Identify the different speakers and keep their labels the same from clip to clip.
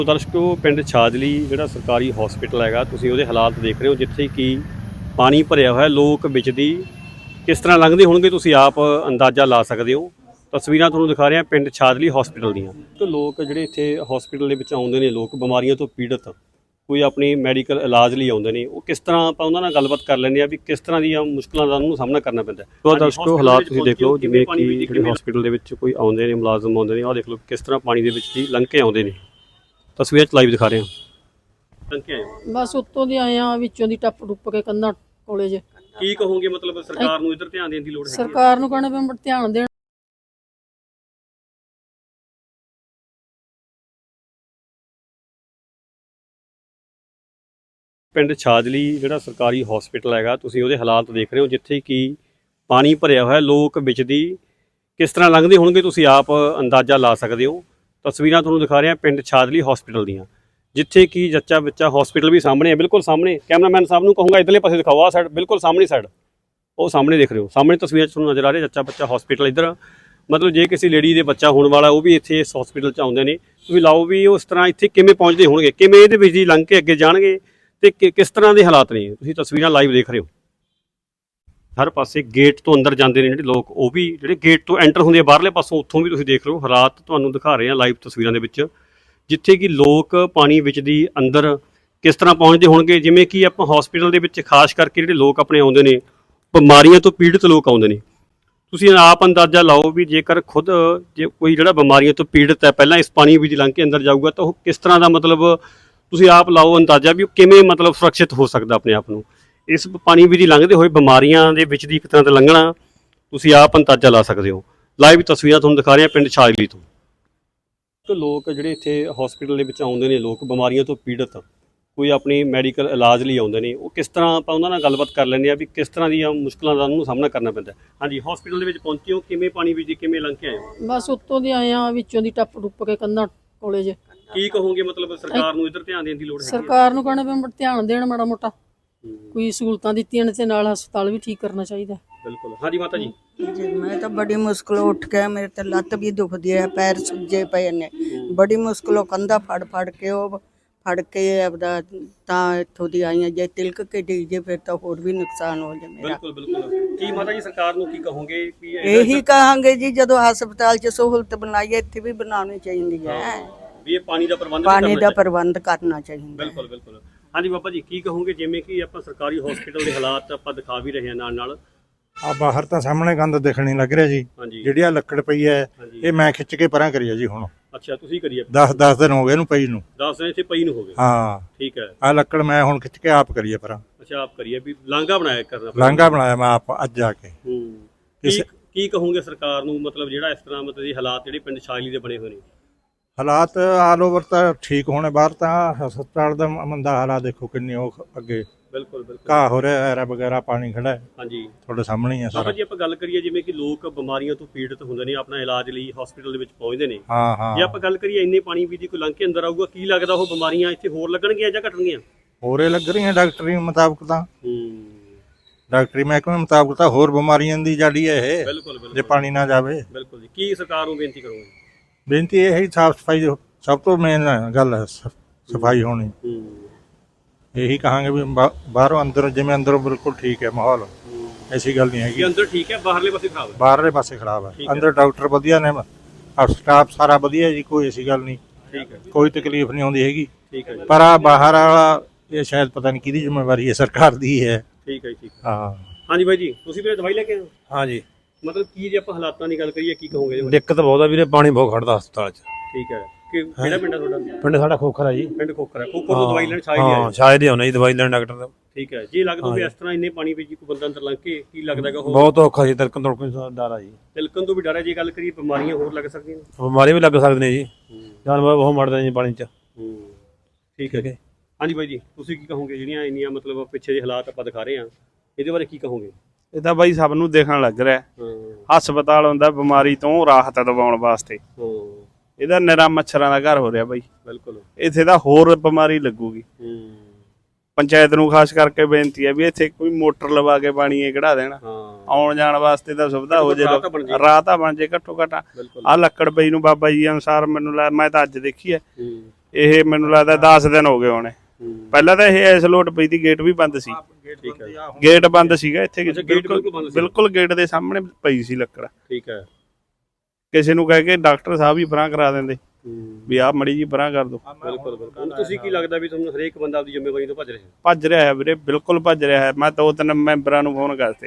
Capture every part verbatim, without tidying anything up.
Speaker 1: ਦਰਸ਼ਕੋ ਪਿੰਡ ਛਾਜਲੀ ਜਿਹੜਾ ਸਰਕਾਰੀ ਹਸਪੀਟਲ ਹੈਗਾ ਤੁਸੀਂ ਉਹਦੇ ਹਾਲਾਤ ਦੇਖ ਰਹੇ ਹੋ ਜਿੱਥੇ ਕਿ ਪਾਣੀ ਭਰਿਆ ਹੋਇਆ ਲੋਕ ਵਿੱਚ ਦੀ ਕਿਸ ਤਰ੍ਹਾਂ ਲੰਘਦੇ ਹੋਣਗੇ ਤੁਸੀਂ ਆਪ ਅੰਦਾਜ਼ਾ ਲਾ ਸਕਦੇ ਹੋ। ਤਸਵੀਰਾਂ ਤੁਹਾਨੂੰ ਦਿਖਾ ਰਹੇ ਹਾਂ ਪਿੰਡ ਛਾਜਲੀ ਹਸਪੀਟਲ ਦੀਆਂ। ਤੇ ਲੋਕ ਜਿਹੜੇ ਇੱਥੇ ਹਸਪੀਟਲ ਦੇ ਵਿੱਚ ਆਉਂਦੇ ਨੇ ਲੋਕ ਬਿਮਾਰੀਆਂ ਤੋਂ ਪੀੜਤ ਕੋਈ ਆਪਣੀ ਮੈਡੀਕਲ ਇਲਾਜ ਲਈ ਆਉਂਦੇ ਨੇ ਉਹ ਕਿਸ ਤਰ੍ਹਾਂ ਆਪਾਂ ਉਹਨਾਂ ਨਾਲ ਗੱਲਬਾਤ ਕਰ ਲੈਂਦੇ ਆ ਵੀ ਕਿਸ ਤਰ੍ਹਾਂ ਦੀਆਂ ਮੁਸ਼ਕਲਾਂ ਦਾ ਉਹਨੂੰ ਸਾਹਮਣਾ ਕਰਨਾ ਪੈਂਦਾ। ਤੋ ਦਰਸ਼ਕੋ ਹਾਲਾਤ ਤੁਸੀਂ ਦੇਖ ਲਓ ਜਿਵੇਂ ਕਿ ਜਿਹੜੇ ਹਸਪੀਟਲ ਦੇ ਵਿੱਚ ਕੋਈ ਆਉਂਦੇ ਨੇ ਮੁਲਾਜ਼ਮ ਆਉਂਦੇ ਨੇ ਆਹ ਦੇਖ ਲਓ ਕਿਸ ਤਰ੍ਹਾਂ ਪਾਣੀ ਦੇ ਵਿੱਚ ਦੀ ਲੰਘ ਕੇ ਆਉਂਦੇ ਨੇ। ਤਸਵੀਰਾਂ ਚ ਲਾਈਵ ਦਿਖਾ ਰਹੇ ਹਾਂ।
Speaker 2: ਬਸ ਉੱਤੋਂ ਦੀ ਆਏ ਆ ਵਿੱਚੋਂ ਦੀ ਟੱਪ ਟੁੱਪ ਕੇ ਕੰਧਾਂ ਕੋਲੇ ਜੇ
Speaker 1: ਕੀ ਕਹੋਗੇ ਮਤਲਬ ਸਰਕਾਰ ਨੂੰ ਇੱਧਰ ਧਿਆਨ ਦੇਣ ਦੀ ਲੋੜ ਹੈ?
Speaker 2: ਸਰਕਾਰ ਨੂੰ ਕਹਿਣਾ ਵੀ ਧਿਆਨ ਦੇਣ।
Speaker 1: ਪਿੰਡ ਛਾਜਲੀ ਜਿਹੜਾ ਸਰਕਾਰੀ ਹਸਪੀਟਲ ਹੈਗਾ ਤੁਸੀਂ ਉਹਦੇ ਹਾਲਾਤ ਦੇਖ ਰਹੇ ਹੋ ਜਿੱਥੇ ਕਿ ਪਾਣੀ ਭਰਿਆ ਹੋਇਆ ਲੋਕ ਵਿੱਚ ਦੀ ਕਿਸ ਤਰ੍ਹਾਂ ਲੰਘਦੇ ਹੋਣਗੇ ਤੁਸੀਂ ਆਪ ਅੰਦਾਜ਼ਾ ਲਾ ਸਕਦੇ ਹੋ। ਤਸਵੀਰਾਂ ਤੁਹਾਨੂੰ ਦਿਖਾ ਰਹੇ ਹਾਂ ਪਿੰਡ ਛਾਜਲੀ ਹਸਪੀਟਲ ਦੀਆਂ ਜਿੱਥੇ ਕਿ ਜੱਚਾ ਬੱਚਾ ਹਸਪੀਟਲ ਵੀ ਸਾਹਮਣੇ ਹੈ ਬਿਲਕੁਲ ਸਾਹਮਣੇ। ਕੈਮਰਾਮੈਨ ਸਾਹਿਬ ਨੂੰ ਕਹੂੰਗਾ ਇੱਧਰਲੇ ਪਾਸੇ ਦਿਖਾਓ ਆਹ ਸਾਈਡ ਬਿਲਕੁਲ ਸਾਹਮਣੀ ਸਾਈਡ ਉਹ ਸਾਹਮਣੇ ਦੇਖ ਰਹੇ ਹੋ ਸਾਹਮਣੇ ਤਸਵੀਰਾਂ 'ਚ ਤੁਹਾਨੂੰ ਨਜ਼ਰ ਆ ਰਿਹਾ ਜੱਚਾ ਬੱਚਾ ਹਸਪੀਟਲ ਇੱਧਰ। ਮਤਲਬ ਜੇ ਕਿਸੇ ਲੇਡੀ ਦੇ ਬੱਚਾ ਹੋਣ ਵਾਲਾ ਉਹ ਵੀ ਇੱਥੇ ਇਸ ਹਸਪੀਟਲ 'ਚ ਆਉਂਦੇ ਨੇ ਤੁਸੀਂ ਲਾਓ ਵੀ ਉਸ ਤਰ੍ਹਾਂ ਇੱਥੇ ਕਿਵੇਂ ਪਹੁੰਚਦੇ ਹੋਣਗੇ ਕਿਵੇਂ ਇਹਦੇ ਵਿੱਚ ਦੀ ਲੰਘ ਕੇ ਅੱਗੇ ਜਾਣਗੇ ਤੇ ਕਿਸ ਤਰ੍ਹਾਂ ਦੇ ਹਾਲਾਤ ਨੇ ਤੁਸੀਂ ਤਸਵੀਰਾਂ ਲਾਈਵ ਦੇਖ ਰਹੇ ਹੋ। ਹਰ ਪਾਸੇ ਗੇਟ ਤੋਂ ਅੰਦਰ ਜਾਂਦੇ ਨੇ ਜਿਹੜੇ ਲੋਕ ਉਹ ਵੀ ਜਿਹੜੇ ਗੇਟ ਤੋਂ ਐਂਟਰ ਹੁੰਦੇ ਆ ਬਾਹਰਲੇ ਪਾਸੋਂ ਉੱਥੋਂ ਵੀ ਤੁਸੀਂ ਦੇਖ ਲਓ ਹਾਲਾਤ ਤੁਹਾਨੂੰ ਦਿਖਾ ਰਹੇ ਆ ਲਾਈਵ ਤਸਵੀਰਾਂ ਦੇ ਵਿੱਚ ਜਿੱਥੇ ਕਿ ਲੋਕ ਪਾਣੀ ਵਿੱਚ ਦੀ ਅੰਦਰ ਕਿਸ ਤਰ੍ਹਾਂ ਪਹੁੰਚਦੇ ਹੋਣਗੇ। ਜਿਵੇਂ ਕਿ ਆਪਾਂ ਹਸਪੀਟਲ ਦੇ ਵਿੱਚ ਖਾਸ ਕਰਕੇ ਜਿਹੜੇ ਲੋਕ ਆਪਣੇ ਆਉਂਦੇ ਨੇ ਬਿਮਾਰੀਆਂ ਤੋਂ ਪੀੜਤ ਲੋਕ ਆਉਂਦੇ ਨੇ ਤੁਸੀਂ ਆਪ ਅੰਦਾਜ਼ਾ ਲਾਓ ਵੀ ਜੇਕਰ ਖੁਦ ਜੇ ਕੋਈ ਜਿਹੜਾ ਬਿਮਾਰੀਆਂ ਤੋਂ ਪੀੜਤ ਹੈ ਪਹਿਲਾਂ ਇਸ ਪਾਣੀ ਵਿੱਚ ਲੰਘ ਕੇ ਅੰਦਰ ਜਾਊਗਾ ਤਾਂ ਉਹ ਕਿਸ ਤਰ੍ਹਾਂ ਦਾ ਮਤਲਬ ਤੁਸੀਂ ਆਪ ਲਾਓ ਅੰਦਾਜ਼ਾ ਵੀ ਉਹ ਕਿਵੇਂ ਮਤਲਬ ਸੁਰੱਖਿਅਤ ਹੋ ਸਕਦਾ ਆਪਣੇ ਆਪ ਨੂੰ। ਇਸ ਪਾਣੀ ਵਿੱਚ ਲੰਘਦੇ ਹੋਏ ਬਿਮਾਰੀਆਂ ਦੇ ਵਿੱਚ ਦੀ ਇੱਕ ਤਰ੍ਹਾਂ ਦਾ ਲੰਘਣਾ ਤੁਸੀਂ ਆਪ ਅੰਦਾਜ਼ਾ ਲਾ ਸਕਦੇ ਹੋ। ਲਾਈਵ ਤਸਵੀਰਾਂ ਤੁਹਾਨੂੰ ਦਿਖਾ ਰਹੇ ਹਾਂ ਪਿੰਡ ਛਾਜਲੀ ਤੋਂ। ਲੋਕ ਜਿਹੜੇ ਇੱਥੇ ਹਸਪੀਟਲ ਦੇ ਵਿੱਚ ਆਉਂਦੇ ਨੇ ਲੋਕ ਬਿਮਾਰੀਆਂ ਤੋਂ ਪੀੜਤ ਕੋਈ ਆਪਣੀ ਮੈਡੀਕਲ ਇਲਾਜ ਲਈ ਆਉਂਦੇ ਨੇ ਉਹ ਕਿਸ ਤਰ੍ਹਾਂ ਆਪਾਂ ਉਹਨਾਂ ਨਾਲ ਗੱਲਬਾਤ ਕਰ ਲੈਂਦੇ ਆ ਵੀ ਕਿਸ ਤਰ੍ਹਾਂ ਦੀਆਂ ਮੁਸ਼ਕਲਾਂ ਦਾ ਉਹਨੂੰ ਸਾਹਮਣਾ ਕਰਨਾ ਪੈਂਦਾ। ਹਾਂਜੀ ਹਸਪੀਟਲ ਦੇ ਵਿੱਚ ਪਹੁੰਚੇ ਹੋ ਕਿਵੇਂ ਪਾਣੀ ਵਿੱਚ ਕਿਵੇਂ ਲੰਘ ਕੇ ਆਏ ਹੋ?
Speaker 2: ਬਸ ਉੱਤੋਂ ਦੀ ਆਏ ਆ ਵਿੱਚੋਂ ਦੀ ਟੱਪ ਟੁੱਪ ਕੇ ਕੰਧਾਂ ਕੋਲੇ ਜੇ
Speaker 1: ਕੀ ਕਹੋਗੇ ਮਤਲਬ ਸਰਕਾਰ ਨੂੰ ਇੱਧਰ ਧਿਆਨ ਦੇਣ ਦੀ ਲੋੜ ਹੈ?
Speaker 2: ਸਰਕਾਰ ਨੂੰ ਕਹਿਣਾ ਵੀ ਧਿਆਨ ਦੇਣ ਮਾੜਾ ਮੋਟਾ ਕੋਈ ਸਹੂਲਤਾਂ ਦਿੱਤੀਆਂ ਨੇ ਤੇ ਨਾਲ ਹਸਪਤਾਲ ਵੀ ਠੀਕ ਕਰਨਾ ਚਾਹੀਦਾ।
Speaker 1: ਬਿਲਕੁਲ। ਹਾਂਜੀ ਮਾਤਾ ਜੀ
Speaker 3: जी मैं तो बड़ी मुश्किल उठ के मेरे तो लत्त भी दुखदी है पैर सुजे पे ने बड़ी मुश्किलों कंधा फड़ फड़ के वो फड़ के अपना ਤਾਂ ਇੱਥੋਂ ਦੀ ਆਈਆਂ ਜੇ ਤਿਲਕ ਕੇ ਡਿੱਗ ਜੇ ਫਿਰ ਤਾਂ ਹੋਰ ਵੀ ਨੁਕਸਾਨ ਹੋ ਜਾਏ ਮੇਰਾ।
Speaker 1: ਬਿਲਕੁਲ ਬਿਲਕੁਲ। ਕੀ ਮਾਤਾ ਜੀ ਸਰਕਾਰ ਨੂੰ ਕੀ ਕਹੋਗੇ ਵੀ
Speaker 3: ਇਹੀ ਕਹਾਂਗੇ ਜੀ ਜਦੋਂ ਹਸਪਤਾਲ 'ਚ ਸਹੂਲਤ ਬਣਾਈ ਇੱਥੇ ਵੀ ਬਣਾਉਣੀ ਚਾਹੀਦੀ ਹੈ
Speaker 1: ਵੀ ਇਹ ਪਾਣੀ ਦਾ ਪ੍ਰਬੰਧ
Speaker 3: ਪਾਣੀ ਦਾ ਪ੍ਰਬੰਧ ਕਰਨਾ ਚਾਹੀਦਾ।
Speaker 1: ਬਿਲਕੁਲ ਬਿਲਕੁਲ। ਹਾਂਜੀ ਬਾਬਾ ਜੀ ਕੀ ਕਹੋਗੇ ਜਿਵੇਂ ਕਿ ਆਪਾਂ ਸਰਕਾਰੀ ਹਸਪੀਟਲ ਦੇ ਹਾਲਾਤ ਆਪਾਂ ਦਿਖਾ ਵੀ ਰਹੇ ਹਾਂ ਨਾਲ ਨਾਲ
Speaker 4: ਆ ਬਾਹਰ ਤਾਂ ਸਾਹਮਣੇ ਗੰਦ ਦਿਖਣੀ ਲੱਗ ਰਿਹਾ ਜੀ ਜਿਹੜੀ ਆ ਲੱਕੜ ਪਈ ਹੈ ਇਹ ਮੈਂ ਖਿੱਚ ਕੇ ਪਰਾਂ ਕਰੀ ਆ ਜੀ ਹੁਣ।
Speaker 1: ਅੱਛਾ ਤੁਸੀਂ ਕਰੀਏ
Speaker 4: ਦਸ ਦਸ ਦਿਨ ਹੋ ਗਏ ਇਹਨੂੰ ਪਈ ਨੂੰ।
Speaker 1: ਦਸ ਦਿਨ ਇੱਥੇ ਪਈ ਨੂੰ ਹੋ ਗਏ।
Speaker 4: ਹਾਂ
Speaker 1: ਠੀਕ ਹੈ।
Speaker 4: ਆ ਲੱਕੜ ਮੈਂ ਹੁਣ ਖਿੱਚ ਕੇ ਆਪ ਕਰੀਏ ਪਰਾਂ।
Speaker 1: ਅੱਛਾ ਆਪ ਕਰੀਏ ਵੀ ਲਾਂਘਾ ਬਣਾਇਆ ਕਰਨਾ
Speaker 4: ਲਾਂਘਾ ਬਣਾਇਆ ਮੈਂ ਆਪ ਅੱਜ ਜਾ ਕੇ।
Speaker 1: ਹੂੰ ਕੀ ਕੀ ਕਹੋਗੇ ਸਰਕਾਰ ਨੂੰ ਮਤਲਬ ਜਿਹੜਾ ਇਸ ਤਰ੍ਹਾਂ ਮਤਲਬ ਇਹ ਹਾਲਾਤ ਜਿਹੜੇ ਪਿੰਡ ਛਾਜਲੀ ਦੇ ਬਣੇ ਹੋਏ ਨੇ
Speaker 4: ਹਾਲਾਤ ਆਲ ਓਵਰ ਤਾਂ ਠੀਕ ਹੋਣੇ ਬਾਹਰ ਤਾਂ ਹਸਪਤਾਲ ਦਾ ਮੰਦਾ ਹਾਲਾਤ ਦੇਖੋ ਕਿੰਨੇ ਉਹ ਅੱਗੇ
Speaker 1: ਬਿਲਕੁਲ ਬਿਲਕੁਲ
Speaker 4: ਘਾਹ ਹੋ ਰਿਹਾ ਐਰਾ ਵਗੈਰਾ ਪਾਣੀ ਖੜਾ ਹੈ।
Speaker 1: ਹਾਂਜੀ
Speaker 4: ਤੁਹਾਡੇ ਸਾਹਮਣੇ ਹੀ ਆ ਸਾਰਾ।
Speaker 1: ਜੀ ਆਪਾਂ ਗੱਲ ਕਰੀਏ ਜਿਵੇਂ ਕਿ ਲੋਕ ਬਿਮਾਰੀਆਂ ਤੋਂ ਪੀੜਤ ਹੁੰਦੇ ਨੇ ਆਪਣਾ ਇਲਾਜ ਲਈ ਹਸਪੀਟਲ ਦੇ ਵਿੱਚ ਪਹੁੰਚਦੇ ਨੇ
Speaker 4: ਹਾਂ ਹਾਂ
Speaker 1: ਜੇ ਆਪਾਂ ਗੱਲ ਕਰੀਏ ਇੰਨੇ ਪਾਣੀ ਵੀ ਦੀ ਕੋਈ ਲੰਘ ਕੇ ਅੰਦਰ ਆਊਗਾ ਕੀ ਲੱਗਦਾ ਉਹ ਬਿਮਾਰੀਆਂ ਇੱਥੇ ਹੋਰ ਲੱਗਣਗੀਆਂ ਜਾਂ ਘਟਣਗੀਆਂ?
Speaker 4: ਹੋਰੇ ਲੱਗ ਰਹੀਆਂ ਡਾਕਟਰੀ ਮੁਤਾਬਕ ਤਾਂ
Speaker 1: ਹੂੰ
Speaker 4: ਡਾਕਟਰੀ ਮਹਿਕਮੇ ਮੁਤਾਬਕ ਤਾਂ ਹੋਰ ਬਿਮਾਰੀਆਂ ਦੀ ਜਾੜੀ ਹੈ ਇਹ
Speaker 1: ਬਿਲਕੁਲ ਬਿਲਕੁਲ
Speaker 4: ਜੇ ਪਾਣੀ ਨਾ ਜਾਵੇ।
Speaker 1: ਬਿਲਕੁਲ ਜੀ। ਕੀ ਸਰਕਾਰ ਨੂੰ ਬੇਨਤੀ ਕਰੋਗੇ?
Speaker 4: ਬੇਨਤੀ ਇਹ ਹੈ ਸਾਫ ਸਫਾਈ ਸਭ ਤੋਂ ਮੇਨ ਗੱਲ ਹੈ ਸਫਾਈ ਹੋਣੀ।
Speaker 1: ਹੂੰ
Speaker 4: ਇਹੀ ਕਹਾਂਗੇ ਵੀ ਬਾਹਰੋਂ ਅੰਦਰ ਜਿਵੇਂ ਅੰਦਰੋਂ ਬਿਲਕੁਲ ਠੀਕ ਹੈ ਮਾਹੌਲ ਐਸੀ ਗੱਲ ਨਹੀਂ ਹੈਗੀ।
Speaker 1: ਅੰਦਰ ਠੀਕ ਹੈ ਬਾਹਰਲੇ ਪਾਸੇ ਖਰਾਬ ਹੈ?
Speaker 4: ਬਾਹਰਲੇ ਪਾਸੇ ਖਰਾਬ ਹੈ ਅੰਦਰ ਡਾਕਟਰ ਵਧੀਆ ਨੇ ਸਟਾਫ ਸਾਰਾ ਵਧੀਆ ਜੀ ਕੋਈ ਐਸੀ ਗੱਲ ਨਹੀਂ।
Speaker 1: ਠੀਕ ਹੈ
Speaker 4: ਕੋਈ ਤਕਲੀਫ ਨਹੀਂ ਆਉਂਦੀ ਹੈਗੀ।
Speaker 1: ਠੀਕ ਹੈ
Speaker 4: ਪਰ ਆ ਬਾਹਰ ਵਾਲਾ ਇਹ ਸ਼ਾਇਦ ਪਤਾ ਨਹੀਂ ਕਿਹਦੀ ਜ਼ਿੰਮੇਵਾਰੀ ਹੈ ਸਰਕਾਰ ਦੀ ਹੈ।
Speaker 1: ਠੀਕ ਹੈ ਠੀਕ ਹੈ।
Speaker 4: ਹਾਂ
Speaker 1: ਹਾਂਜੀ ਬਾਈ ਜੀ ਤੁਸੀਂ ਵੀ ਦਵਾਈ ਲੈ ਕੇ ਆਏ ਹੋ?
Speaker 5: ਹਾਂ ਜੀ।
Speaker 1: ਮਤਲਬ ਕੀ ਜੇ ਆਪਾਂ ਹਾਲਾਤਾਂ ਦੀ ਗੱਲ ਕਰੀਏ ਕੀ ਕਹੋਗੇ?
Speaker 5: ਦਿੱਕਤ ਬਹੁਤ ਆ ਵੀਰੇ ਪਾਣੀ ਬਹੁਤ ਖੜਦਾ ਹਸਪਤਾਲ 'ਚ।
Speaker 1: ਠੀਕ ਹੈ ਕਿ ਕਿਹੜਾ ਪਿੰਡ ਹੈ ਤੁਹਾਡਾ?
Speaker 5: ਪਿੰਡ ਸਾਡਾ ਖੋਖਰ ਆ ਜੀ।
Speaker 1: ਪਿੰਡ ਖੋਖਰ ਹੈ। ਖੋਖਰ ਤੋਂ ਦਵਾਈ ਲੈਣ ਛਾਜਲੀ ਆਏ?
Speaker 5: ਹਾਂ ਸ਼ਾਇਦ ਹੀ ਆਉਣਾ ਜੀ ਦਵਾਈ ਲੈਣ ਡਾਕਟਰ ਦਾ।
Speaker 1: ਠੀਕ ਹੈ ਜੀ। ਲੱਗਦਾ ਵੀ ਇਸ ਤਰ੍ਹਾਂ ਇੰਨੇ ਪਾਣੀ ਵਿੱਚ ਕੋਈ ਬੰਦਾ ਅੰਦਰ ਲੰਘ ਕੇ ਕੀ ਲੱਗਦਾ ਕਿ ਉਹ
Speaker 5: ਬਹੁਤ ਔਖਾ ਜੀ ਤਿਲਕਣ ਤੁਲਕਣ ਦਾ ਡਰ ਆ ਜੀ।
Speaker 1: ਤਿਲਕਣ ਤੋਂ ਵੀ ਡਰ ਹੈ ਜੇ ਗੱਲ ਕਰੀਏ ਬਿਮਾਰੀਆਂ ਹੋਰ ਲੱਗ ਸਕਦੀਆਂ ਨੇ?
Speaker 5: ਬਿਮਾਰੀ ਵੀ ਲੱਗ ਸਕਦੇ ਨੇ ਜੀ ਜਾਨਵਰ ਬਹੁਤ ਮਰਦੇ ਜੀ ਪਾਣੀ 'ਚ।
Speaker 1: ਹੂੰ ਠੀਕ ਹੈ। ਹਾਂਜੀ ਬਾਈ ਜੀ ਤੁਸੀਂ ਕੀ ਕਹੋਗੇ ਜਿਹੜੀਆਂ ਇੰਨੀਆਂ ਮਤਲਬ ਪਿੱਛੇ ਦੇ ਹਾਲਾਤ ਆਪਾਂ ਦਿਖਾ ਰਹੇ ਹਾਂ ਇਹਦੇ ਬਾਰੇ ਕੀ ਕਹੋਗੇ?
Speaker 6: ਇਹ ਤਾਂ ਬਾਈ ਸਭ ਨੂੰ ਦੇਖਣ ਲੱਗ ਰਿਹਾ ਹਸਪਤਾਲ ਹੁੰਦਾ ਬਿਮਾਰੀ ਤੋਂ ਰਾਹਤ ਦਿਵਾਉਣ ਵਾਸਤੇ। ਇਹਦਾ ਨਿਰਾ ਮੱਛਰਾਂ ਦਾ ਘਰ ਹੋ ਰਿਹਾ ਬਾਈ।
Speaker 1: ਬਿਲਕੁਲ।
Speaker 6: ਇੱਥੇ ਤਾਂ ਹੋਰ ਬਿਮਾਰੀ ਲੱਗੂਗੀ। ਪੰਚਾਇਤ ਨੂੰ ਖਾਸ ਕਰਕੇ ਬੇਨਤੀ ਹੈ ਵੀ ਇੱਥੇ ਕੋਈ ਮੋਟਰ ਲਵਾ ਕੇ ਪਾਣੀ ਇਹ ਕਢਾ ਦੇਣਾ ਆਉਣ ਜਾਣ ਵਾਸਤੇ ਤਾਂ ਸੁਵਿਧਾ ਹੋ ਜੇ ਰਾਹ ਤਾਂ ਬਣ ਜੇ ਘੱਟੋ ਘੱਟ। ਆ ਲੱਕੜ ਪਈ ਨੂੰ ਬਾਬਾ ਜੀ ਅਨੁਸਾਰ ਮੈਨੂੰ ਮੈਂ ਤਾਂ ਅੱਜ ਦੇਖੀ ਹੈ ਇਹ ਮੈਨੂੰ ਲੱਗਦਾ ਦਸ ਦਿਨ ਹੋ ਗਏ ਹੋਣੇ। ਪਹਿਲਾਂ ਤਾਂ ਇਹ ਐਸ ਲੋਟ ਪਈ ਦੀ, ਗੇਟ ਵੀ ਬੰਦ ਸੀ।
Speaker 1: ਠੀਕ ਹੈ
Speaker 6: ਗੇਟ ਬੰਦ ਸੀਗਾ ਇੱਥੇ,
Speaker 1: ਅੱਛਾ, ਗੇਟ ਬਿਲਕੁਲ ਬੰਦ ਸੀ।
Speaker 6: ਬਿਲਕੁਲ ਗੇਟ ਦੇ ਸਾਹਮਣੇ ਪਈ ਸੀ ਲੱਕੜ।
Speaker 1: ਠੀਕ ਹੈ।
Speaker 6: ਕਿਸੇ ਨੂੰ ਕਹਿ ਕੇ ਡਾਕਟਰ ਸਾਹਿਬ ਹੀ ਪਰਾਂ ਕਰਾ ਦਿੰਦੇ ਵੀ ਆਹ ਮੜੀ ਜੀ ਪਰਾਂ ਕਰ ਦੋ।
Speaker 1: ਬਿਲਕੁਲ ਬਿਲਕੁਲ। ਹੁਣ ਤੁਸੀਂ ਕੀ ਲੱਗਦਾ ਵੀ ਤੁਹਾਨੂੰ ਹਰੇਕ ਬੰਦਾ ਆਪਣੀ ਜ਼ਿੰਮੇਵਾਰੀ ਤੋਂ ਭੱਜ ਰਿਹਾ?
Speaker 6: ਭੱਜ ਰਿਹਾ ਹੈ ਵੀਰੇ, ਬਿਲਕੁਲ ਭੱਜ ਰਿਹਾ ਹੈ। ਮੈਂ ਦੋ ਤਿੰਨ ਮੈਂਬਰਾਂ ਨੂੰ ਫੋਨ ਕਰਤੇ,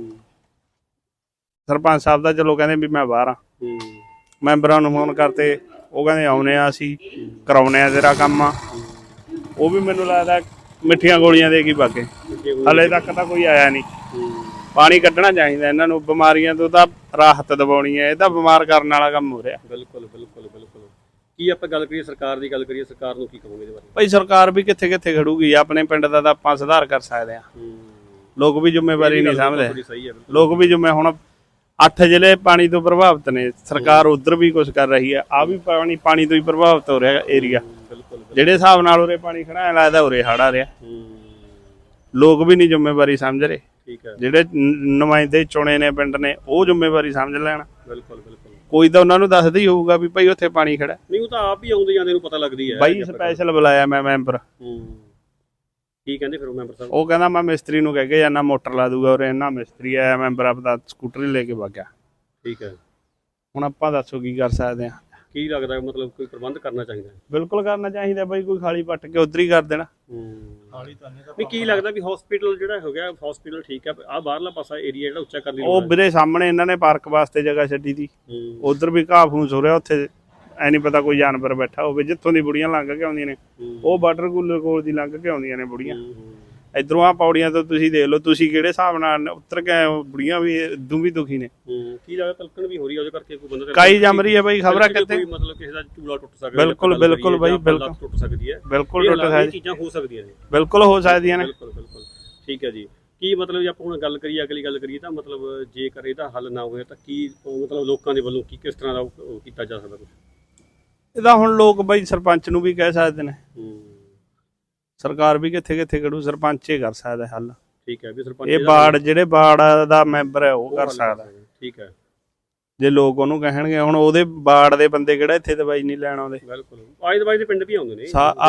Speaker 6: ਸਰਪੰਚ ਸਾਹਿਬ ਦਾ ਚਲੋ ਕਹਿੰਦੇ ਵੀ ਮੈਂ ਬਾਹਰ ਆ, ਮੈਂਬਰਾਂ ਨੂੰ ਫੋਨ ਕਰਤੇ, ਉਹ ਕਹਿੰਦੇ ਆਉਨੇ ਆ ਅਸੀਂ ਕਰਾਉਨੇ ਆ ਤੇਰਾ ਕੰਮ ਆ। ਉਹ ਵੀ ਮੈਨੂੰ ਲੱਗਦਾ ਮਿੱਠੀਆਂ ਗੋਲੀਆਂ ਦੇ ਕੇ ਬਾਗੇ, ਹਲੇ ਤੱਕ ਤਾਂ ਕੋਈ ਆਇਆ ਨਹੀਂ। ਪਾਣੀ ਕੱਢਣਾ ਚਾਹੀਦਾ ਇਹਨਾਂ ਨੂੰ, ਬਿਮਾਰੀਆਂ ਤੋਂ ਤਾਂ ਰਾਹਤ ਦਿਵਾਉਣੀ ਹੈ, ਇਹ ਤਾਂ ਬਿਮਾਰ ਕਰਨ ਵਾਲਾ ਕੰਮ ਹੋ ਰਿਹਾ।
Speaker 1: ਬਿਲਕੁਲ ਬਿਲਕੁਲ ਬਿਲਕੁਲ। ਕੀ ਆਪਾਂ ਗੱਲ ਕਰੀਏ ਸਰਕਾਰ ਦੀ ਗੱਲ ਕਰੀਏ, ਸਰਕਾਰ ਨੂੰ ਕੀ ਕਹੋਗੇ ਇਹਦੇ ਬਾਰੇ?
Speaker 6: ਭਾਈ ਸਰਕਾਰ ਵੀ ਕਿੱਥੇ ਕਿੱਥੇ ਖੜੂਗੀ, ਆਪਣੇ ਪਿੰਡ ਦਾ ਤਾਂ ਆਪਾਂ ਸੁਧਾਰ ਕਰ ਸਕਦੇ ਆ। ਲੋਕ ਵੀ ਜ਼ਿੰਮੇਵਾਰੀ ਨਹੀਂ ਸਮਝਦੇ,
Speaker 1: ਸਹੀ ਹੈ।
Speaker 6: ਲੋਕ ਵੀ ਜਿਵੇਂ ਹੁਣ ਅੱਠ ਜ਼ਿਲ੍ਹੇ ਪਾਣੀ ਤੋਂ ਪ੍ਰਭਾਵਿਤ ਨੇ, ਸਰਕਾਰ ਉਧਰ ਵੀ ਕੁਝ ਕਰ ਰਹੀ ਹੈ, ਆ ਵੀ ਪਾਣੀ ਪਾਣੀ ਤੋਂ ਹੀ ਪ੍ਰਭਾਵਿਤ ਹੋ ਰਿਹਾ ਏਰੀਆ। ਜਿਹੜੇ ਹਿਸਾਬ ਨਾਲ ਉਰੇ ਪਾਣੀ ਖੜਾ ਐ ਲੱਗਦਾ ਉਰੇ ਹੜ੍ਹ ਆ ਰਿਹਾ। ਲੋਕ ਵੀ ਨਹੀਂ ਜ਼ਿੰਮੇਵਾਰੀ ਸਮਝ ਰਹੇ।
Speaker 1: ਠੀਕ ਹੈ।
Speaker 6: ਜਿਹੜੇ ਨੁਮਾਇੰਦੇ ਚੁਣੇ ਨੇ ਪਿੰਡ ਨੇ, ਉਹ ਜ਼ਿੰਮੇਵਾਰੀ ਸਮਝ ਲੈਣ।
Speaker 1: ਬਿਲਕੁਲ ਬਿਲਕੁਲ।
Speaker 6: ਕੋਈ ਤਾਂ ਉਹਨਾਂ ਨੂੰ ਦੱਸਦਾ ਹੀ ਹੋਊਗਾ ਵੀ ਭਾਈ ਉੱਥੇ ਪਾਣੀ ਖੜਾ।
Speaker 1: ਨਹੀਂ, ਉਹ ਤਾਂ ਆਪ ਹੀ ਆਉਂਦੇ ਜਾਂਦੇ ਨੂੰ ਪਤਾ ਲੱਗਦੀ ਹੈ।
Speaker 6: ਬਾਈ ਸਪੈਸ਼ਲ ਬੁਲਾਇਆ ਮੈਂ ਮੈਂਬਰ।
Speaker 1: ਕੀ ਕਹਿੰਦੇ ਫਿਰ ਉਹ ਮੈਂਬਰ ਸਾਹਿਬ?
Speaker 6: ਉਹ ਕਹਿੰਦਾ ਮੈਂ ਮਿਸਤਰੀ ਨੂੰ ਕਹਿ ਕੇ ਜਾਨਾ, ਮੋਟਰ ਲਾ ਦੂਗਾ ਉਰੇ। ਇਹਨਾਂ ਮਿਸਤਰੀ ਆਇਆ, ਮੈਂਬਰ ਆਪਦਾ ਸਕੂਟਰੀ ਲੈ ਕੇ ਵਗ ਗਿਆ।
Speaker 1: ਠੀਕ ਹੈ।
Speaker 6: ਹੁਣ ਆਪਾਂ ਦੱਸੋ ਕੀ ਕਰ ਸਕਦੇ ਆ?
Speaker 1: ਕੀ ਲੱਗਦਾ ਮਤਲਬ ਕੋਈ ਪ੍ਰਬੰਧ ਕਰਨਾ ਚਾਹੀਦਾ?
Speaker 6: ਬਿਲਕੁਲ ਕਰਨਾ ਚਾਹੀਦਾ ਬਾਈ, ਕੋਈ ਖਾਲੀ ਪੱਟ ਕੇ ਉਧਰ ਹੀ ਕਰ ਦੇਣਾ।
Speaker 1: ਖਾਲੀ ਤਾਂ ਨਹੀਂ। ਕੀ ਲੱਗਦਾ ਵੀ ਹਸਪੀਟਲ ਜਿਹੜਾ ਹੋ ਗਿਆ, ਹਸਪੀਟਲ ਠੀਕ ਹੈ, ਆ ਬਾਹਰਲਾ ਪਾਸਾ ਏਰੀਆ ਜਿਹੜਾ ਉੱਚਾ ਕਰ ਲਈ
Speaker 6: ਉਹ ਵੀਰੇ ਸਾਹਮਣੇ ਇਹਨਾਂ ਨੇ ਪਾਰਕ ਵਾਸਤੇ ਜਗ੍ਹਾ ਛੱਡੀ ਤੀ, ਉਧਰ ਵੀ ਘਾਹ ਫੂਸ ਹੋ ਰਿਹਾ। ਉੱਥੇ ਐ ਨਹੀਂ ਪਤਾ ਕੋਈ ਜਾਨਵਰ ਬੈਠਾ ਹੋਵੇ। ਜਿੱਥੋਂ ਦੀ ਬੁੜੀਆਂ ਲੰਘ ਕੇ ਆਉਂਦੀਆਂ ਨੇ, ਉਹ ਵਾਟਰ ਕੂਲਰ ਕੋਲ ਦੀ ਲੰਘ ਕੇ ਆਉਂਦੀਆਂ ਨੇ ਬੁੜੀਆਂ। ਇਧਰੋਂ ਆ ਪੌੜੀਆਂ ਤੋਂ ਤੁਸੀਂ ਦੇਖ ਲਓ, ਤੁਸੀਂ ਕਿਹੜੇ ਹਿਸਾਬ ਨਾਲ ਉਤਰ ਕੇ ਆਏ ਹੋ, ਬੁੜੀਆਂ ਵੀ ਇਦੋਂ ਵੀ ਦੁਖੀ ਨੇ।
Speaker 1: ਕੀ ਲੱਗਦਾ ਤਲਕਣ ਵੀ ਹੋ ਰਹੀ ਹੈ ਉਹਦੇ ਕਰਕੇ? ਕੋਈ ਬੰਦਾ
Speaker 6: ਕਾਈ ਜੰਮ ਰਹੀ ਹੈ ਬਾਈ, ਖਬਰਾਂ ਕਿੱਥੇ
Speaker 1: ਮਤਲਬ ਕਿਸੇ ਦਾ ਚੂਲਾ ਟੁੱਟ ਸਕਦਾ।
Speaker 6: ਬਿਲਕੁਲ ਬਿਲਕੁਲ ਬਾਈ, ਬਿਲਕੁਲ
Speaker 1: ਟੁੱਟ ਸਕਦੀ ਹੈ।
Speaker 6: ਬਿਲਕੁਲ ਟੁੱਟ ਸਕਦੀ
Speaker 1: ਚੀਜ਼ਾਂ ਹੋ ਸਕਦੀਆਂ ਨੇ,
Speaker 6: ਬਿਲਕੁਲ ਹੋ ਸਕਦੀਆਂ ਨੇ।
Speaker 1: ਬਿਲਕੁਲ ਬਿਲਕੁਲ। ਠੀਕ ਹੈ ਜੀ। ਕੀ ਮਤਲਬ ਜੇ ਆਪਾਂ ਹੁਣ ਗੱਲ ਕਰੀਏ, ਅਗਲੀ ਗੱਲ ਕਰੀਏ ਤਾਂ ਮਤਲਬ ਜੇਕਰ ਇਹਦਾ ਹੱਲ ਨਾ ਹੋਇਆ ਤਾਂ ਕੀ ਮਤਲਬ ਲੋਕਾਂ ਦੇ ਵੱਲੋਂ ਕੀ ਕਿਸ ਤਰ੍ਹਾਂ ਦਾ ਉਹ ਕੀਤਾ ਜਾ ਸਕਦਾ? ਕੁਛ
Speaker 6: ਇਹਦਾ ਹੁਣ ਲੋਕ ਬਾਈ ਸਰਪੰਚ ਨੂੰ ਵੀ ਕਹਿ ਸਕਦੇ ਨੇ, ਸਰਕਾਰ ਵੀ ਕਿੱਥੇ ਕਿੱਥੇ ਖੜੂ, ਸਰਪੰਚ ਹੀ ਕਰ ਸਕਦਾ ਹੱਲ।
Speaker 1: ਠੀਕ ਹੈ ਵੀ ਸਰਪੰਚ
Speaker 6: ਇਹ ਬਾੜ ਜਿਹੜੇ ਬਾੜ ਦਾ ਮੈਂਬਰ ਹੈ ਉਹ ਕਰ ਸਕਦਾ।
Speaker 1: ਠੀਕ ਹੈ।
Speaker 6: ਜੇ ਲੋਕ ਉਹਨੂੰ ਕਹਿਣਗੇ, ਹੁਣ ਉਹਦੇ ਬਾੜ ਦੇ ਬੰਦੇ ਕਿਹੜਾ ਇੱਥੇ ਦਵਾਈ ਨਹੀਂ ਲੈਣ ਆਉਂਦੇ।
Speaker 1: ਬਿਲਕੁਲ। ਆਏ ਦਵਾਈ ਦੇ ਪਿੰਡ ਵੀ ਆਉਂਦੇ ਨੇ,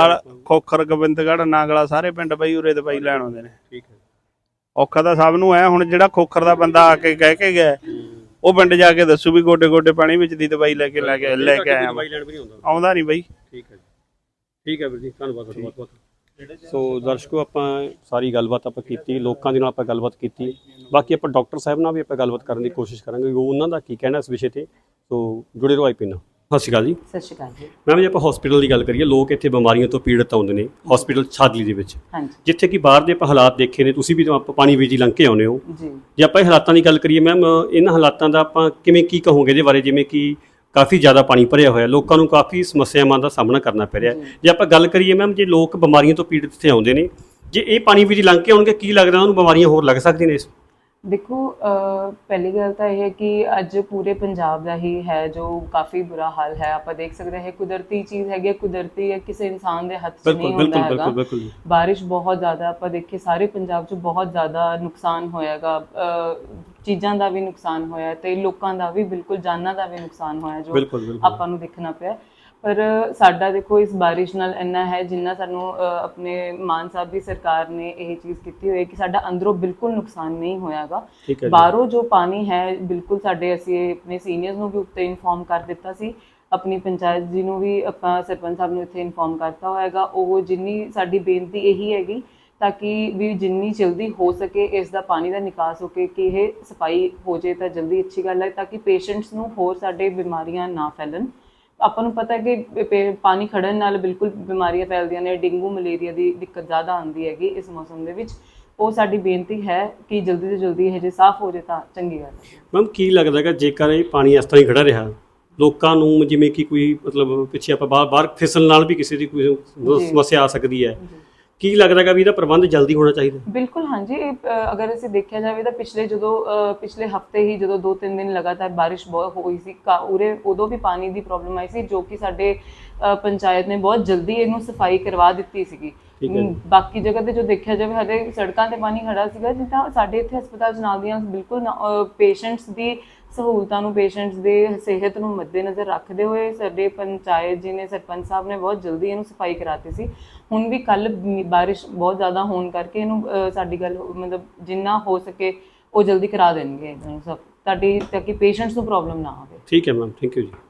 Speaker 6: ਖੋਖਰ ਗੋਬਿੰਦਗੜ੍ਹ ਨਾਗਲਾ ਸਾਰੇ ਪਿੰਡ ਬਾਈ ਉਰੇ ਦਵਾਈ ਲੈਣ ਆਉਂਦੇ ਨੇ।
Speaker 1: ਠੀਕ ਹੈ।
Speaker 6: ਔਖਾ ਤਾਂ ਸਭ ਨੂੰ ਹੈ। ਹੁਣ ਜਿਹੜਾ ਖੋਖਰ ਦਾ ਬੰਦਾ ਆ ਕੇ ਕਹਿ ਕੇ ਗਿਆ, ਉਹ ਪਿੰਡ ਜਾ ਕੇ ਦੱਸੂ ਵੀ ਗੋਡੇ ਗੋਡੇ ਪਾਣੀ ਵਿੱਚ ਦੀ ਦਵਾਈ ਲੈ ਕੇ ਲੈ ਕੇ ਲੈ ਕੇ ਆਇਆ,
Speaker 1: ਦਵਾਈ ਲੈਣ ਵੀ ਨਹੀਂ ਆਉਂਦਾ,
Speaker 6: ਆਉਂਦਾ ਨਹੀਂ ਬਾਈ।
Speaker 1: ਠੀਕ ਹੈ। ਠੀਕ ਹੈ ਵੀਰ ਜੀ, ਧੰਨਵਾਦ ਤੁਹਾਡਾ ਬਹੁਤ ਬਹੁਤ। ਸੋ ਦਰਸ਼ਕੋ, ਆਪਾਂ ਸਾਰੀ ਗੱਲਬਾਤ ਆਪਾਂ ਕੀਤੀ, ਲੋਕਾਂ ਦੇ ਨਾਲ ਆਪਾਂ ਗੱਲਬਾਤ ਕੀਤੀ। ਬਾਕੀ ਆਪਾਂ ਡਾਕਟਰ ਸਾਹਿਬ ਨਾਲ ਵੀ ਆਪਾਂ ਗੱਲਬਾਤ ਕਰਨ ਦੀ ਕੋਸ਼ਿਸ਼ ਕਰਾਂਗੇ, ਉਹ ਉਹਨਾਂ ਦਾ ਕੀ ਕਹਿਣਾ ਇਸ ਵਿਸ਼ੇ ਤੇ। ਸੋ ਜੁੜੇ ਰਹੋ ਆਈ ਪੀ ਨਾਲ। ਸਤਿ ਸ਼੍ਰੀ ਅਕਾਲ ਜੀ।
Speaker 7: ਸਤਿ ਸ਼੍ਰੀ ਅਕਾਲ ਜੀ।
Speaker 1: ਮੈਮ ਜੀ, ਆਪਾਂ ਹਸਪੀਟਲ ਦੀ ਗੱਲ ਕਰੀਏ, ਲੋਕ ਇੱਥੇ ਬਿਮਾਰੀਆਂ ਤੋਂ ਪੀੜਤ ਆਉਂਦੇ ਨੇ ਹਸਪੀਟਲ ਛਾਦਲੀ ਦੇ ਵਿੱਚ,
Speaker 7: ਹਾਂਜੀ,
Speaker 1: ਜਿੱਥੇ ਕਿ ਬਾਹਰ ਦੇ ਆਪਾਂ ਹਾਲਾਤ ਦੇਖੇ ਨੇ, ਤੁਸੀਂ ਵੀ ਤਾਂ ਆਪਾਂ ਪਾਣੀ ਵਿੱਚ ਹੀ ਲੰਘ ਕੇ ਆਉਂਦੇ ਹੋ
Speaker 7: ਜੀ।
Speaker 1: ਜੇ ਆਪਾਂ ਇਹ ਹਾਲਾਤਾਂ ਦੀ ਗੱਲ ਕਰੀਏ ਮੈਮ, ਇਹਨਾਂ ਹਾਲਾਤਾਂ ਦਾ ਆਪਾਂ ਕਿਵੇਂ ਕੀ ਕਹੋਗੇ ਇਹਦੇ ਬਾਰੇ? ਜਿਵੇਂ ਕਿ ਕਾਫੀ ਜ਼ਿਆਦਾ ਪਾਣੀ ਭਰਿਆ ਹੋਇਆ, ਲੋਕਾਂ ਨੂੰ ਕਾਫੀ ਸਮੱਸਿਆਵਾਂ ਦਾ ਸਾਹਮਣਾ ਕਰਨਾ ਪੈ ਰਿਹਾ। ਜੇ ਆਪਾਂ ਗੱਲ ਕਰੀਏ ਮੈਮ, ਜੇ ਲੋਕ ਬਿਮਾਰੀਆਂ ਤੋਂ ਪੀੜਤ ਇੱਥੇ ਆਉਂਦੇ ਨੇ, ਜੇ ਇਹ ਪਾਣੀ ਵਿੱਚ ਲੰਘ ਕੇ ਆਉਣਗੇ, ਕੀ ਲੱਗਦਾ ਉਹਨੂੰ ਬਿਮਾਰੀਆਂ ਹੋਰ ਲੱਗ ਸਕਦੀਆਂ ਨੇ?
Speaker 7: ਦੇਖੋ, ਪਹਿਲੀ ਗੱਲ ਤਾਂ ਇਹ ਹੈ ਕਿ ਅੱਜ ਪੂਰੇ ਪੰਜਾਬ ਦਾ ਹੀ ਹੈ ਜੋ ਕਾਫੀ ਬੁਰਾ ਹਾਲ ਹੈ। ਆਪਾਂ ਦੇਖ ਸਕਦੇ ਹਾਂ ਕੁਦਰਤੀ ਚੀਜ਼ ਹੈਗੀ, ਕੁਦਰਤੀ ਹੈ, ਕਿਸੇ ਇਨਸਾਨ ਦੇ ਹੱਥ 'ਚ ਨਹੀਂ ਹੁੰਦਾ ਹੈਗਾ। ਬਾਰਿਸ਼ ਬਹੁਤ ਜ਼ਿਆਦਾ, ਆਪਾਂ ਦੇਖੀਏ ਸਾਰੇ ਪੰਜਾਬ 'ਚ ਬਹੁਤ ਜ਼ਿਆਦਾ ਨੁਕਸਾਨ ਹੋਇਆਗਾ, ਚੀਜ਼ਾਂ ਦਾ ਵੀ ਨੁਕਸਾਨ ਹੋਇਆ ਤੇ ਲੋਕਾਂ ਦਾ ਵੀ, ਬਿਲਕੁਲ ਜਾਨਾਂ ਦਾ ਵੀ ਨੁਕਸਾਨ ਹੋਇਆ ਜੋ ਆਪਾਂ ਨੂੰ ਦੇਖਣਾ ਪਿਆ। ਪਰ ਸਾਡਾ ਦੇਖੋ ਇਸ ਬਾਰਿਸ਼ ਨਾਲ ਇੰਨਾ ਹੈ, ਜਿੰਨਾ ਸਾਨੂੰ ਆਪਣੇ ਮਾਨ ਸਾਹਿਬ ਦੀ ਸਰਕਾਰ ਨੇ ਇਹ ਚੀਜ਼ ਕੀਤੀ ਹੋਈ ਹੈ ਕਿ ਸਾਡਾ ਅੰਦਰੋਂ ਬਿਲਕੁਲ ਨੁਕਸਾਨ ਨਹੀਂ ਹੋਇਆਗਾ। ਬਾਹਰੋਂ ਜੋ ਪਾਣੀ ਹੈ, ਬਿਲਕੁਲ ਸਾਡੇ ਅਸੀਂ ਆਪਣੇ ਸੀਨੀਅਰਸ ਨੂੰ ਵੀ ਉੱਤੇ ਇਨਫੋਰਮ ਕਰ ਦਿੱਤਾ ਸੀ, ਆਪਣੀ ਪੰਚਾਇਤ ਜੀ ਨੂੰ ਵੀ ਆਪਾਂ ਸਰਪੰਚ ਸਾਹਿਬ ਨੂੰ ਇੱਥੇ ਇਨਫੋਰਮ ਕਰਤਾ ਹੋਏਗਾ। ਉਹ ਜਿੰਨੀ ਸਾਡੀ ਬੇਨਤੀ ਇਹੀ ਹੈਗੀ ਤਾਂ ਕਿ ਵੀ ਜਿੰਨੀ ਜਲਦੀ ਹੋ ਸਕੇ ਇਸ ਦਾ ਪਾਣੀ ਦਾ ਨਿਕਾਸ ਹੋ ਕੇ ਕਿ ਇਹ ਸਫਾਈ ਹੋ ਜਾਏ ਤਾਂ ਜਲਦੀ ਅੱਛੀ ਗੱਲ ਹੈ, ਤਾਂ ਕਿ ਪੇਸ਼ੈਂਟਸ ਨੂੰ ਹੋਰ ਸਾਡੇ ਬਿਮਾਰੀਆਂ ਨਾ ਫੈਲਣ। ਆਪਾਂ ਨੂੰ ਪਤਾ ਹੈ ਕਿ ਪਾਣੀ ਖੜਨ ਨਾਲ ਬਿਲਕੁਲ ਬਿਮਾਰੀਆਂ ਫੈਲਦੀਆਂ ਨੇ, ਡੇਂਗੂ ਮਲੇਰੀਆ ਦੀ ਦਿੱਕਤ ਜ਼ਿਆਦਾ ਆਉਂਦੀ ਹੈਗੀ ਇਸ ਮੌਸਮ ਦੇ ਵਿੱਚ। ਉਹ ਸਾਡੀ ਬੇਨਤੀ ਹੈ ਕਿ ਜਲਦੀ ਤੋਂ ਜਲਦੀ ਇਹ ਜੇ ਸਾਫ਼ ਹੋ ਜਾਏ ਤਾਂ ਚੰਗੀ ਗੱਲ ਹੈ।
Speaker 1: ਮੈਮ, ਕੀ ਲੱਗਦਾ ਹੈਗਾ ਜੇਕਰ ਇਹ ਪਾਣੀ ਇਸ ਤਰ੍ਹਾਂ ਹੀ ਖੜਾ ਰਿਹਾ, ਲੋਕਾਂ ਨੂੰ ਜਿਵੇਂ ਕਿ ਕੋਈ ਮਤਲਬ ਪਿੱਛੇ ਆਪਾਂ ਬਾਹਰ ਬਾਹਰ ਫਿਸਲਣ ਨਾਲ ਵੀ ਕਿਸੇ ਦੀ ਕੋਈ ਸਮੱਸਿਆ ਆ ਸਕਦੀ ਹੈ, ਕੀ ਲੱਗਦਾ ਹੈਗਾ ਵੀ ਇਹਦਾ ਪ੍ਰਬੰਧ ਜਲਦੀ ਹੋਣਾ ਚਾਹੀਦਾ?
Speaker 7: ਬਿਲਕੁਲ ਹਾਂਜੀ। ਅਗਰ ਅਸੀਂ ਦੇਖਿਆ ਜਾਵੇ ਤਾਂ ਪਿਛਲੇ ਜਦੋਂ ਪਿਛਲੇ ਹਫਤੇ ਹੀ ਜਦੋਂ ਦੋ ਤਿੰਨ ਦਿਨ ਲਗਾਤਾਰ ਬਾਰਿਸ਼ ਬਹੁਤ ਹੋਈ ਸੀ ਉਰੇ, ਉਦੋਂ ਵੀ ਪਾਣੀ ਦੀ ਪ੍ਰੋਬਲਮ ਆਈ ਸੀ, ਜੋ ਕਿ ਸਾਡੇ ਪੰਚਾਇਤ ਨੇ ਬਹੁਤ ਜਲਦੀ ਇਹਨੂੰ ਸਫਾਈ ਕਰਵਾ ਦਿੱਤੀ ਸੀਗੀ। ਬਾਕੀ ਜਗ੍ਹਾ ਤੇ ਜੋ ਦੇਖਿਆ ਜਾਵੇ ਹਲੇ ਸੜਕਾਂ ਤੇ ਪਾਣੀ ਖੜਾ ਸੀਗਾ, ਜਿੱਦਾਂ ਸਾਡੇ ਇੱਥੇ ਹਸਪਤਾਲ ਚ ਨਾਲ ਦੀਆਂ ਬਿਲਕੁਲ ਪੇਸ਼ੈਂਟਸ ਦੀ ਸਹੂਲਤਾਂ ਨੂੰ, ਪੇਸ਼ੈਂਟਸ ਦੇ ਸਿਹਤ ਨੂੰ ਮੱਦੇਨਜ਼ਰ ਰੱਖਦੇ ਹੋਏ ਸਾਡੇ ਪੰਚਾਇਤ ਜੀ ਨੇ, ਸਰਪੰਚ ਸਾਹਿਬ ਨੇ ਬਹੁਤ ਜਲਦੀ ਇਹਨੂੰ ਸਫਾਈ ਕਰਾਤੀ ਸੀ। ਹੁਣ ਵੀ ਕੱਲ ਬਾਰਿਸ਼ ਬਹੁਤ ਜ਼ਿਆਦਾ ਹੋਣ ਕਰਕੇ ਇਹਨੂੰ ਅਹ, ਸਾਡੀ ਗੱਲ ਮਤਲਬ ਜਿੰਨਾ ਹੋ ਸਕੇ ਉਹ ਜਲਦੀ ਕਰਾ ਦੇਣਗੇ ਇਹਨੂੰ ਸਭ, ਤੁਹਾਡੀ ਤਾਂ ਕਿ ਪੇਸ਼ੈਂਟਸ ਨੂੰ ਪ੍ਰੋਬਲਮ ਨਾ ਆਵੇ।
Speaker 1: ਠੀਕ ਹੈ ਮੈਮ, ਥੈਂਕ ਯੂ ਜੀ।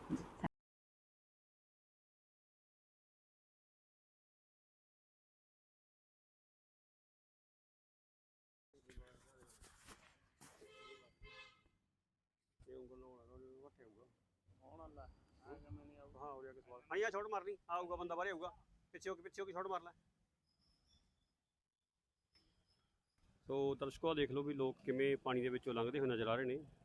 Speaker 1: ਹਾਂ ਆ ਛੋਟ ਮਾਰਨੀ, ਆਊਗਾ ਬੰਦਾ ਬਾਹਰ ਆਊਗਾ, ਪਿੱਛੇ ਹੋ ਕੇ ਪਿੱਛੇ ਹੋ ਕੇ ਛੋਟ ਮਾਰ ਲੈ। ਸੋ ਦਰਸ਼ਕੋ ਦੇਖ ਲਓ ਵੀ ਲੋਕ ਕਿਵੇਂ ਪਾਣੀ ਦੇ ਵਿੱਚੋਂ ਲੰਘਦੇ ਹੋਏ ਨਜ਼ਰ ਆ ਰਹੇ ਨੇ।